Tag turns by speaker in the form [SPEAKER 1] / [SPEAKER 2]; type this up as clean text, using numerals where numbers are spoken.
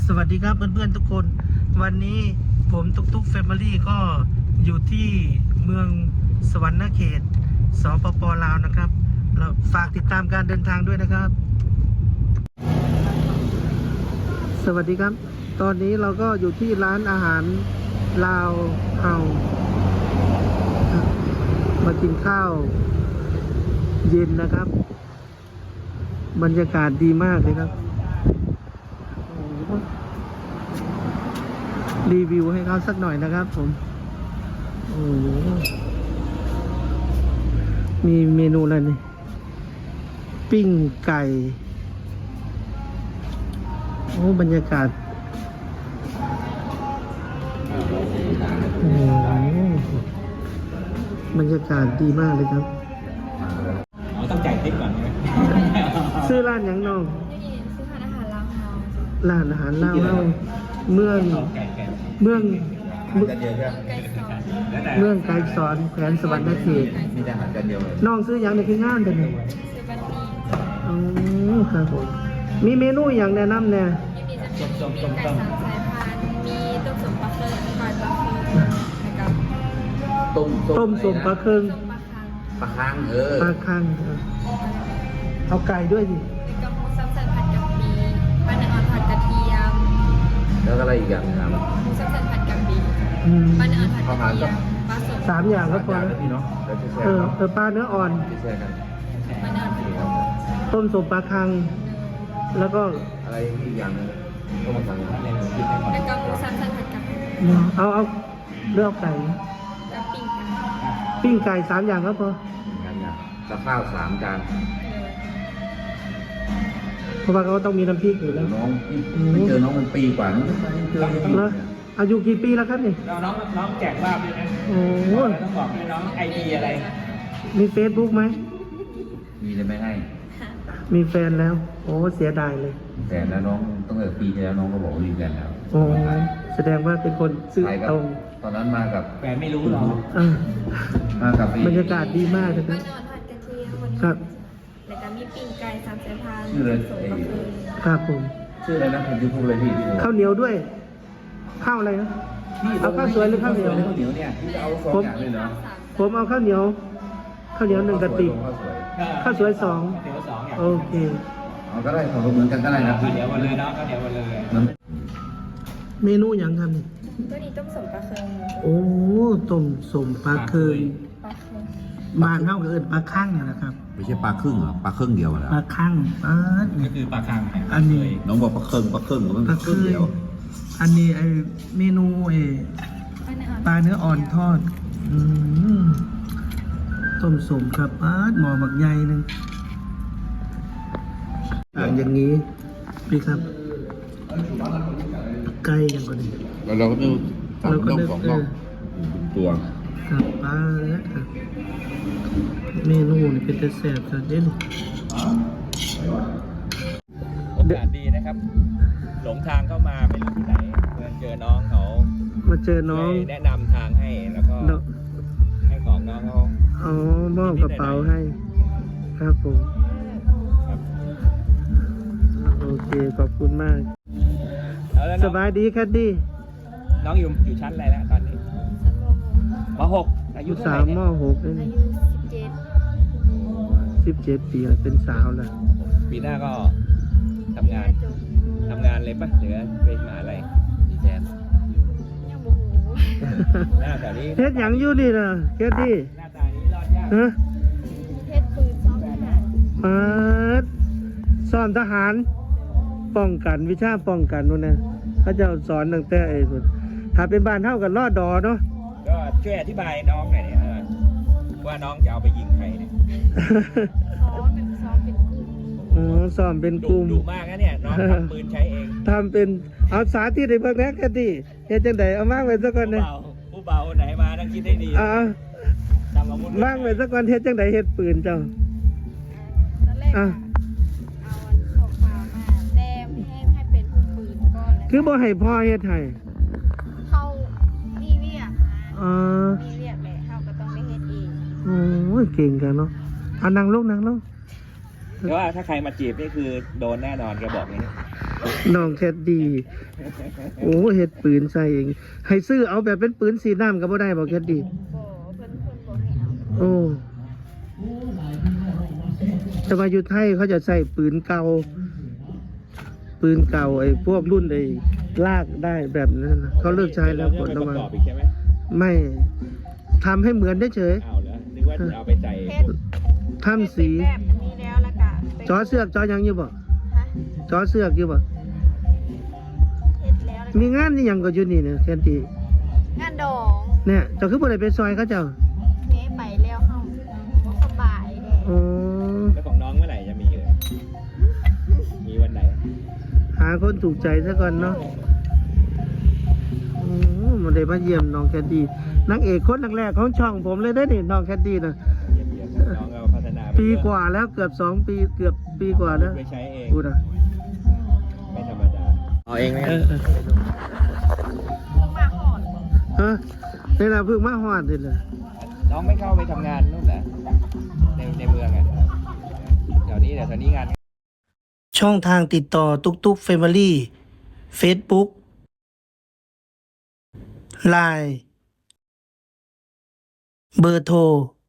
[SPEAKER 1] สวัสดีครับเพื่อนๆทุกคนวันนี้ผมตุกแฟมิลี่ก็อยู่ที่เมืองสวรรณเขตสปป.ลาวนะครับเราฝากติดตามการเดินทางด้วยนะครับสวัสดีครับตอนนี้เราก็อยู่ที่ร้านอาหารลาวเฮามากินข้าวเย็นนะครับบรรยากาศดีมากเลยครับรีวิวให้เขาสักหน่อยนะครับผมโอ้มีเมนูอะไรนี่ปิ้งไก่โอ้บรรยากาศโอ้บรรยากาศดีมากเลยครับ
[SPEAKER 2] ต้องจ่ายทิปก่อนใช่ไหม
[SPEAKER 1] ซื้อร้านยังน้อง
[SPEAKER 3] ซื้อร้านอาหารลาวเฮา
[SPEAKER 1] ร้านอาหารลาวเฮาเมืองเมืองไกลสอนแขวงสวรรณเขต
[SPEAKER 2] มีแต่อาหารกันเดียวเลย
[SPEAKER 1] น้องซื้ออย่างในคืองานแต่เนี่ย
[SPEAKER 3] ซื้อบันนี่
[SPEAKER 1] อ๋อครับผมมีเมนูอย่างแนะนำเนี่ย
[SPEAKER 3] มีไก่3 สายพันธุ์มีต้มสมปลาเคิร์นปลาปลาเคิร์นนะครับ
[SPEAKER 1] ต้มสมปลาเคิง
[SPEAKER 2] ปลาคัง
[SPEAKER 1] ปลาคังเอาไก่ด้วยดิ
[SPEAKER 3] มีกระมูซับซันผัดกะปิปลาเนื้ออ่อนผัดกระเทียม
[SPEAKER 2] แล้วก็อะไรอีกอย่างครับ
[SPEAKER 3] หมูซับซันผัดกะปิปลาเนื้ออ่อนผัดกระเทียมปลาสด
[SPEAKER 1] 3 อย่างก็พอแล้ว
[SPEAKER 2] พี่เนาะ
[SPEAKER 1] ปลาเนื้ออ่อน
[SPEAKER 2] แช่กัน
[SPEAKER 3] ปลาเนื้ออ่อน
[SPEAKER 1] ต้มสมปลาคังแล้วก็
[SPEAKER 2] อะไรอีกอย่างนึงต้มสังอะไร
[SPEAKER 3] แล้วก็หมูซับซันผัดกะปิ
[SPEAKER 1] เอาเลือกไก่
[SPEAKER 3] แล้ว
[SPEAKER 1] ปิ้งไก่3 อย่างก็พอ
[SPEAKER 2] แล้วข้าว3 จาน
[SPEAKER 1] เพราะว่าเขาต้องมีน้ำพริกอยู่แล้ว
[SPEAKER 2] น้องไม่เจอน้องมันปีกว่านี่เจอ
[SPEAKER 1] แล้วอายุกี่ปีแล้วครับนี่
[SPEAKER 2] น้องแจกลาบด้วยนะ
[SPEAKER 1] โอ้
[SPEAKER 2] ต้องบอกให้น้องไอดีอะไร
[SPEAKER 1] มีเฟซบุ๊กไหม
[SPEAKER 2] มีเลยไม่ให้
[SPEAKER 1] มีแฟนแล้วโอ้เสียดายเลย
[SPEAKER 2] แฟนแล้วน้องตั้งแต่ปีที่แล้วน้องก็บอกว่ามีแฟนแล้ว
[SPEAKER 1] โอ้แสดงว่าเป็นคนซื่อตรง
[SPEAKER 2] ตอนนั้นมากับ
[SPEAKER 4] แฟนไม่รู้หรอ
[SPEAKER 2] มากับบ
[SPEAKER 1] รรยากาศดีมากเลยครับครับ
[SPEAKER 3] แล้วก็มีปิ้งไก่3 สายพันธุ์
[SPEAKER 2] ชื่อเลย
[SPEAKER 1] ครับผม
[SPEAKER 2] ชื่ออะไรนะผมจะพูดเลยพี่
[SPEAKER 1] ข้าวเหนียวด้วยข้าวอะไรนะเอาข้าวสวยหรือข้าวเหนียว
[SPEAKER 2] เนี่ยเอา2 อย่างเลยเหรอ
[SPEAKER 1] ผมเอาข้าวเหนียว1 กระติกข้าวสวย2โอเค
[SPEAKER 2] เอาก็ได้ของเหมือนกันก็ได้นะ
[SPEAKER 4] ข้าวเหนียวมาเลยเนาะข้าวเหนียวมาเลย
[SPEAKER 1] เมนูอย่างครับนี่
[SPEAKER 3] ตัวนี้ต้มสมปลาเคิง
[SPEAKER 1] โอ้ต้มสมปลาเคิงบ้านเฮาเอิ้นปลาคั่งนะครับ
[SPEAKER 2] ไม่ใช่ปลาครึ่งเหรอปลาครึ่งเดียวนะ
[SPEAKER 1] ปลาคั่ง
[SPEAKER 4] ก็คือปลาคัง
[SPEAKER 1] อันนี้
[SPEAKER 2] น้องบอกปลาครึ่งมันปลาครึ่งเดียว
[SPEAKER 1] อันนี้ไอเมนูปลาเนื้ออ่อนทอดต้มสมครับหม้อบักใหญ่นึงอย่างนี้พี่ครับไก่อย่างก่อนนี้
[SPEAKER 2] เราก็ต้อง2 น่องตัว
[SPEAKER 1] ครับปลาแล้วครับเมนูนี่เป็นแต่แซ่บครับเด่น
[SPEAKER 4] โอกาสดีนะครับหลงทางเข้ามาไม่รู้ที่ไหนเพื่อนเจอน้องเขา
[SPEAKER 1] มาเจอน้อง
[SPEAKER 4] แนะนำทางให้แล้วก็ให้ของน้องเขา
[SPEAKER 1] มอบกระเป๋าให้ครับผมโอเคขอบคุณมากสบายดีครับดี
[SPEAKER 4] น้องอยู่ชั้นอะไรแล้วตอนนี้ม.6อายุเท่าไหร่
[SPEAKER 1] เนี่ยม.6
[SPEAKER 3] อายุ
[SPEAKER 1] 17 ปีแล้วเป็นสาวแล้ว
[SPEAKER 4] ปีหน้าก็ทำงานเลยปะหรือไปมหาอะไรดีแทน
[SPEAKER 3] ยังบ่ฮู้
[SPEAKER 4] หน้าแถวนี้
[SPEAKER 1] เฮ็ดหยังอยู่นี่น่ะแค่ดี
[SPEAKER 4] หน้าตานี้รอดยาก
[SPEAKER 3] เฮ็ดปืนซ้อมทหาร
[SPEAKER 1] สอนทหารป้องกันวิชาป้องกันนู่นนะเขาจะสอนตั้งแต่ถ้าเป็นบ้านเท่ากันรอดดอเนาะ
[SPEAKER 4] ก็ช่วยอธิบายน้องหน่อยเนี่ยว่าน้องจะเอาไปยิงใครเนี่ย
[SPEAKER 3] ซ้อมเป็นกลุ่ม
[SPEAKER 1] สอนเป็นกลุ่ม
[SPEAKER 4] ดุมากนะเนี่ยน้องทำปืนใช้เอง
[SPEAKER 1] ทำเป็นเอาสาธิตให้เบิ่งนะแค่ดีเฮ็ดจังไดเอามากไว้ซะก่อนนะ
[SPEAKER 4] ผู้เบาไหนมาต้องคิดให้ดี
[SPEAKER 1] มากไว้ซะก่อนเฮ็ดจังไดเฮ็ดปืนเจ้า
[SPEAKER 3] ตอนแรกเอาของฟ้ามาแต้มให้เป็นผู้ปืนก่อน
[SPEAKER 1] คือบ่ให้พ่อเฮ็ดให้
[SPEAKER 3] เขามีเวียกมีเวียกแหละเขาก็ต้องได้เฮ็ดเอง
[SPEAKER 1] โอ้ยเก่งกันเนาะนั่งลง
[SPEAKER 4] แต่ว่าถ้าใครมาจีบนี่คือโดนแน่นอนแกบอกนี้
[SPEAKER 1] น้องแคดดี้โอ้เฮ็ดปืนใส่เองให้ซื้อเอาแบบเป็นปืนสีน้ำก็บ่ได้บ่แคดดี้
[SPEAKER 3] บ่เพิ่นบ่ให้เอา
[SPEAKER 1] โอ้แต่ว่าอยู่ไทยเขาจะใส่ปืนเก่าไอ้พวกรุ่นไอ้ลากได้แบบนั้นนะเขาเลิกใช้แล้ว
[SPEAKER 4] เดี๋
[SPEAKER 1] ก
[SPEAKER 4] ย
[SPEAKER 1] ด
[SPEAKER 4] เรา
[SPEAKER 1] ระ
[SPEAKER 4] จะ
[SPEAKER 1] วั
[SPEAKER 4] ไป
[SPEAKER 1] ง
[SPEAKER 4] ประกอบอีกใช่ไหม
[SPEAKER 1] ไม่ทำให้เหมือนได้เฉย
[SPEAKER 4] เอาแล้วนึกว่าจะเอาไปใส่พวก
[SPEAKER 1] ทำสี
[SPEAKER 3] แบบนี้แล้วแล้วก็
[SPEAKER 1] จอเสือกจอยังอยู่บ่
[SPEAKER 3] ฮะ
[SPEAKER 1] จอเสือกอยู่บ่
[SPEAKER 3] เฮ็ดแล้วแล้ว
[SPEAKER 1] มีงานนี่ยังก็อยู่นี่เนี่ยแคนดี้
[SPEAKER 3] งานดอง
[SPEAKER 1] เนี่ยเจ้าคือบ่ได้ไปซอยเขาเจ้า
[SPEAKER 3] แม่ไปแล้วเฮาบ่สบายแล้
[SPEAKER 1] อ๋อ
[SPEAKER 4] แล้วของน้องเมื่อไหร่จะมีเลยมีวันไหน
[SPEAKER 1] หาคนถูกใจซะก่อนเนาะมันได้มาเยี่ยมน้องแคดดี้นางเอกคนแรกๆของช่องผมเลยได้อนี่น้องแคดดี้นะ
[SPEAKER 4] เยี่ยมๆน้องเราพัฒนาไป
[SPEAKER 1] ปีกว่าแล้วเกือบ2 ปีเกือบปีกว่าแล้ว
[SPEAKER 4] ไปใช้เอง
[SPEAKER 1] พูดอ่ะ
[SPEAKER 4] ไม่ธรรมดาเอาเองไหม
[SPEAKER 3] มาหอด
[SPEAKER 1] ฮะนี่นะเพิ่งมาฮอดนี่แหละ
[SPEAKER 4] น้องไม่เข้าไปทำงานนู่นเหรอในเมืองอ่ะแถวนี้งาน
[SPEAKER 1] ช่องทางติดต่อตุกตุกเฟมิลี่ Facebook Line เบอร์โทร